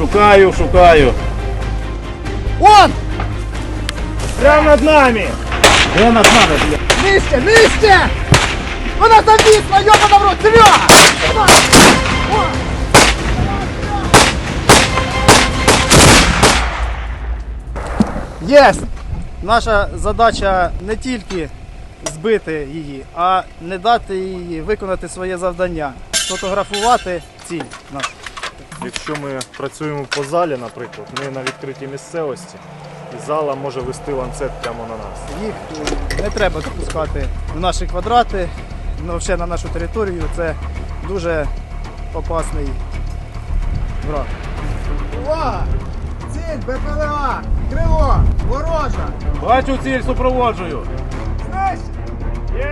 Шукаю. Он! Прямо над нами! Де над нами, блядь? Нижче! Вона завісла, йобана в рот! Серйозно! Єсть! Наша задача не тільки збити її, а не дати їй виконати своє завдання. Сфотографувати ціль. Якщо ми працюємо по залі, наприклад, ми на відкритій місцевості, і зала може вести ланцет прямо на нас. Їх не треба допускати в наші квадрати, взагалі на нашу територію. Це дуже опасний враг. Увага! Ціль БПЛА! Крило! Ворожа! Бачу ціль, супроводжую. Знищ! Є!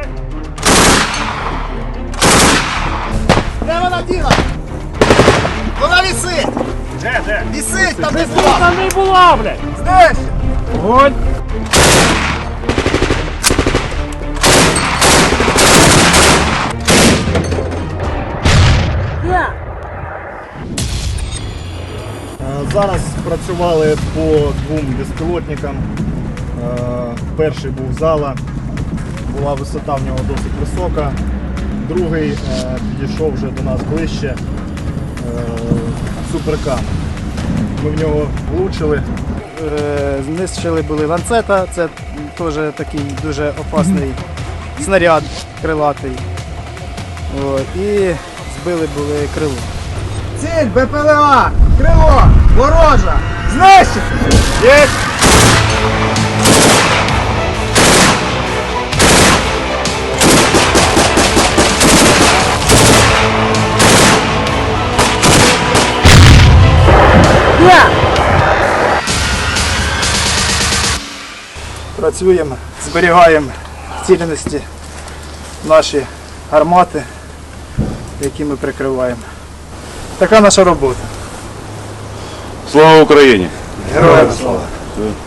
Де вона діла? Вона висить! Де? Висить там, де Тут була! там не була, блядь! Знищ! Огонь! Зараз працювали по двом безпілотникам. Перший був зала, була висота в нього досить висока. Другий підійшов вже до нас ближче, суперкам. Ми в нього влучили. Знищили були ланцета, це теж такий дуже опасний снаряд крилатий. І збили були крило. Ціль БПЛА! Крило! Ворожа! Знищити! Є! Працюємо, зберігаємо в цілісності наші гармати, які ми прикриваємо. Така наша робота. Слава Україні! Героям слава!